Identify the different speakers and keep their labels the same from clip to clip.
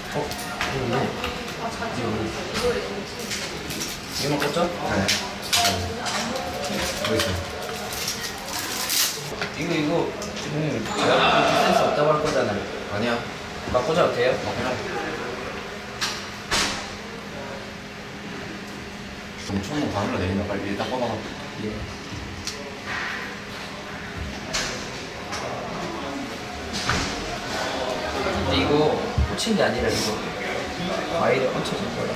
Speaker 1: 이거만 꽂죠?
Speaker 2: 네. 여기 있어요.
Speaker 1: 이거 지금 제가 센스 없다고 할 거잖아요.
Speaker 2: 아니야.
Speaker 1: 막 꽂아도 돼요?
Speaker 2: 그냥. 엄청 바늘로 내린다. 빨리 일단 꺼봐.
Speaker 1: 예. 근데 이거 꽂힌 게 아니라 이거 와이를 얹혀진 거야.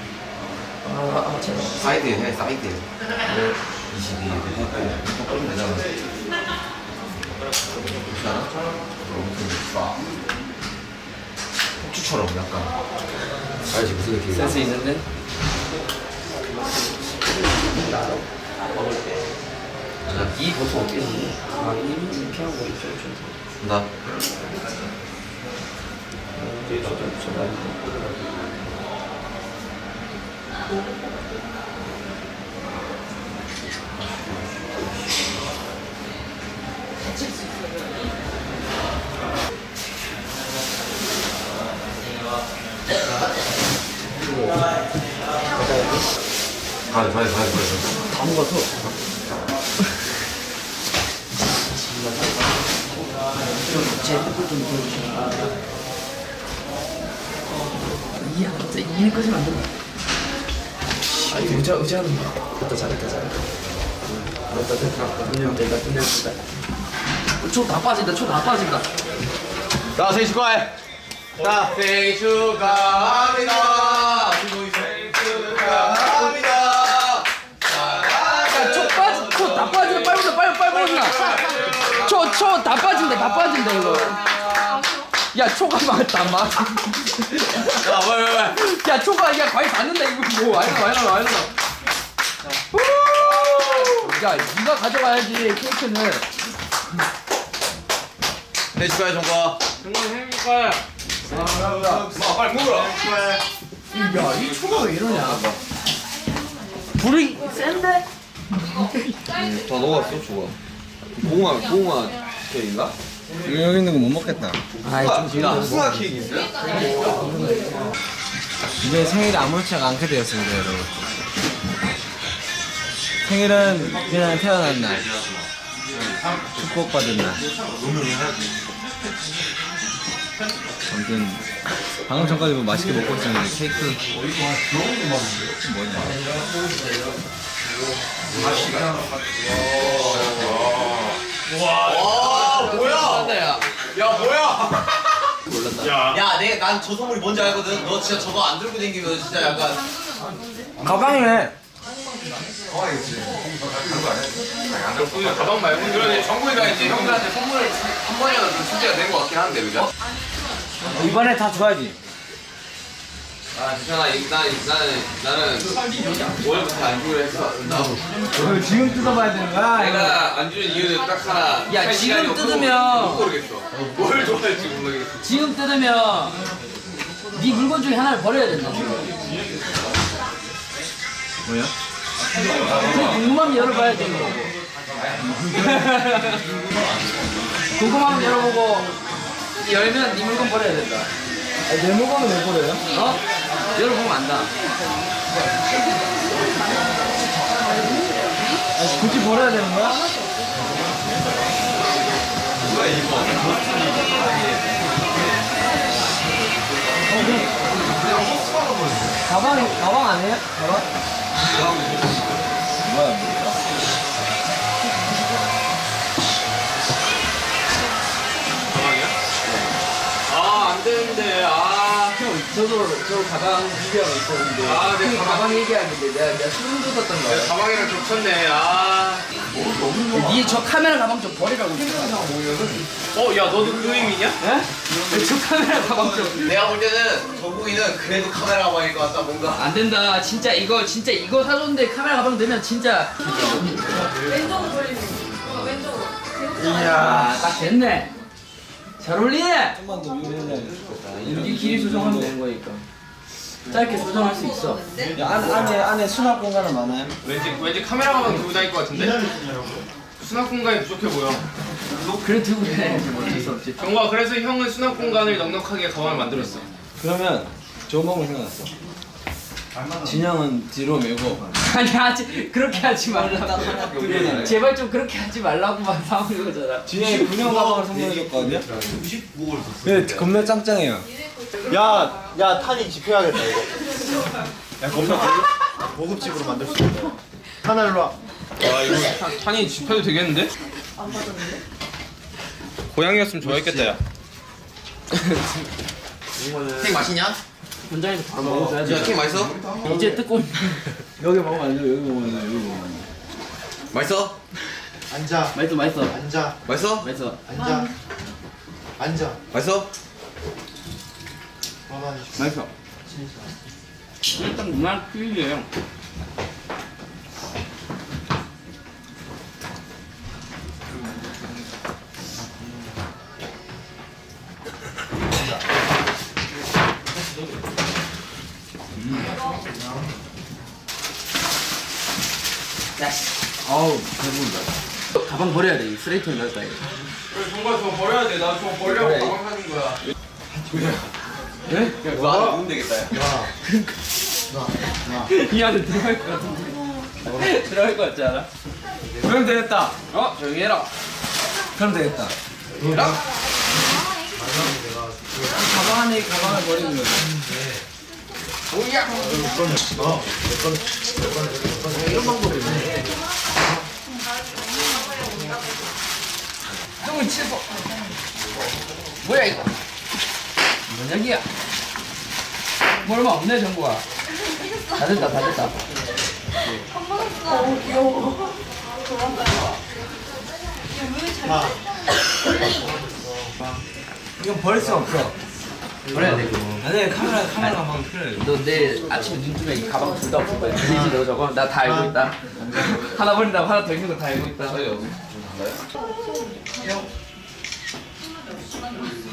Speaker 1: 제가.
Speaker 2: 사이드에 해, 사이드에.
Speaker 1: 네.
Speaker 2: 22. 이거 꺼면 되잖아. 괜찮아? 폭주처럼 약간. 알지, 무슨 느낌이야?
Speaker 1: 센스 있는데? 이 보통 어떻게 쓰지? 이 피하고 있죠,
Speaker 2: 나. 가야.
Speaker 1: 다 먹어서 제 핸드폰 좀 보여주시면 이해 안 돼. 이해까지는 안 된다. 아니 의자는 됐다 잘했다 끝냈다. 초다 빠진다.
Speaker 2: 자, 생일 축하해. 자, 생일 축하합니다. 생일 축하합니다.
Speaker 1: 다 빠진다. 빨리 초 다 빠진다 이거. 야 초가 맞다 안 맞아.
Speaker 2: 야, 왜?
Speaker 1: 야 초가 야 과일 닿는다 이거 뭐 와이너. 야 네가 가져가야지 케이크는.
Speaker 2: 생일 축하해, 정과.
Speaker 3: 생일 축하해.
Speaker 2: 마, 빨리 먹으라.
Speaker 1: 야 이 초가 왜 이러냐. 불이 센데?
Speaker 2: 다 녹았어, 주가. 봉화 케이크인가?
Speaker 4: 여기 있는 거 못 먹겠다.
Speaker 2: 야, 수학 케이크 있어요?
Speaker 4: 이제 생일이 아무렇지가 않게 되었습니다, 여러분. 생일은 그냥 태어난 날, 축복받은 날. 아무튼 방금 전까지 뭐 맛있게 먹고 있었는데 케이크 뭐냐?
Speaker 2: 와, 뭐야?
Speaker 1: 야
Speaker 2: 야, 뭐야?
Speaker 3: 야,
Speaker 2: 야, 난 저 선물이 뭔지 알거든. 너 진짜 저거 안 들고 다니면 진짜 약간.
Speaker 1: 가방이네.
Speaker 3: 그 가방 말고 그러네. 정국이가 이제 형들한테 선물을 한 번이라도 좀 숙제가 된 것 같긴 한데, 그죠?
Speaker 4: 이번에 다 줘야지.
Speaker 3: 아, 괜찮아. 나는 원래부터 안 주기로 했어.
Speaker 4: 이걸 지금 뜯어봐야 되는 거야?
Speaker 3: 내가 안 주는 이유는 딱 하나.
Speaker 1: 야,
Speaker 3: 할
Speaker 1: 지금
Speaker 3: 시간이 없어서
Speaker 1: 뜯으면-
Speaker 3: 모르겠어. 뭘 좋아할지 모르겠어.
Speaker 1: 지금 뜯으면 네 물건 중에 하나를 버려야 된다.
Speaker 4: 뭐야?
Speaker 1: 그 궁금하면 열어봐야 되는 거고. 궁금하면 열어보고 열면 네 물건 버려야 된다.
Speaker 4: 내 물건은 왜 버려요?
Speaker 1: 어? 열어보면 안다.
Speaker 4: 굳이 버려야 되는 거야? 가방 아니에요? 가방? 뭐야?
Speaker 3: 아, 안 되는데. 아,
Speaker 1: 저도 가방 얘기하고 있었는데.
Speaker 3: 아, 내
Speaker 1: 그
Speaker 3: 가방.
Speaker 1: 가방 얘기하는데 내가 소름 돋았던
Speaker 3: 내
Speaker 1: 거야.
Speaker 3: 가방이랑 겹쳤네. 아.
Speaker 1: 니저 카메라 가방 좀 버리라고 했어.
Speaker 3: 야, 너도 그 의미냐?
Speaker 1: 예? 저 카메라 가방 좀.
Speaker 2: 내가 볼 때는 정국이는 그래도 카메라 가방일 것 같다, 뭔가.
Speaker 1: 안 된다. 진짜 이거 사줬는데 카메라 가방 넣으면 진짜.
Speaker 5: 왼쪽으로 돌리는 거. 왼쪽으로.
Speaker 1: 이야, 딱 됐네. 잘 어울리네.
Speaker 4: 좀만 더 위로 해야
Speaker 1: 이 길이 조정하면 되는 거니까. 짧게 조정할 수 있어.
Speaker 4: 안에 수납 공간은 많아요?
Speaker 3: 왠지 카메라 가방 들고 다닐 것 같은데? 수납 공간이 부족해 보여.
Speaker 1: 그래 들고 다녀야지 뭐 어쩔 수 없지.
Speaker 3: 정과 그래서 형은 수납 공간을 넉넉하게 가방을 만들었어.
Speaker 4: 그러면 좋은 방법 생각났어. 진영은 뒤로 메고
Speaker 1: 아니 하지 그렇게 하지 말라. 제발 좀 그렇게 하지 말라고만 사오는 거잖아.
Speaker 4: 진영이 군용 가방을 선물해줬거든요. 네, 겁나 짱짱해요.
Speaker 6: 야 탄이 지표해야겠다 이거. 야 겁나 고급집으로 만들 수 있다. 탄아 일로 와.
Speaker 3: 와 이거 탄이 집혀도 되겠는데?
Speaker 5: 안 받았는데?
Speaker 3: 고양이였으면 좋아했겠다 야.
Speaker 2: 케이크 맛있냐?
Speaker 1: 현장에서 바로 먹어줘야지.
Speaker 2: 야 케이크 맛있어?
Speaker 1: 이제 뜯고 있는.
Speaker 4: 여기 먹으면 안 돼. 여기 먹으면 안 돼. 여기 먹으면 안 돼.
Speaker 2: 맛있어?
Speaker 6: 앉아.
Speaker 1: 맛있어 맛있어
Speaker 6: 앉아.
Speaker 2: 맛있어?
Speaker 1: 맛있어.
Speaker 6: 앉아. 앉아.
Speaker 2: 맛있어?
Speaker 6: 가만히 있어.
Speaker 1: 맛있어. 일단 무난 퀴즈예요. 아우 배부르다. 가방 버려야 돼. 이 쓰레기통에 넣을 거야.
Speaker 3: 그래 정말 저거 버려야 돼. 나 저거 버리려고 가방 사는 거야.
Speaker 1: 네?
Speaker 2: 그거 안에 넣으면 되겠다 야.
Speaker 1: 이 안에 들어갈 것 같은데. 들어갈 것 같지 않아?
Speaker 4: 그럼 되겠다.
Speaker 1: 조용히 해라.
Speaker 4: 그럼 되겠다. 가방 안에 가방을 버리는 거야.
Speaker 1: 형은 7번. 뭐야 이거? 뭔 얘기야? 뭐 얼마 없네 정보가. 다 됐다 다 됐다.
Speaker 5: 한 받았어. 귀여워. 도망가요.
Speaker 4: 이건 버릴 수 없어.
Speaker 1: 버려야 돼.
Speaker 4: 아니 카메라 가방 필요해.
Speaker 1: 너 내일 아침 눈쯤에 이 가방 둘 다 없을 거야. 들리지 너 저거? 나 다 알고 있다. 하나 버린다고 하나 더 있는 거 다 알고 있다.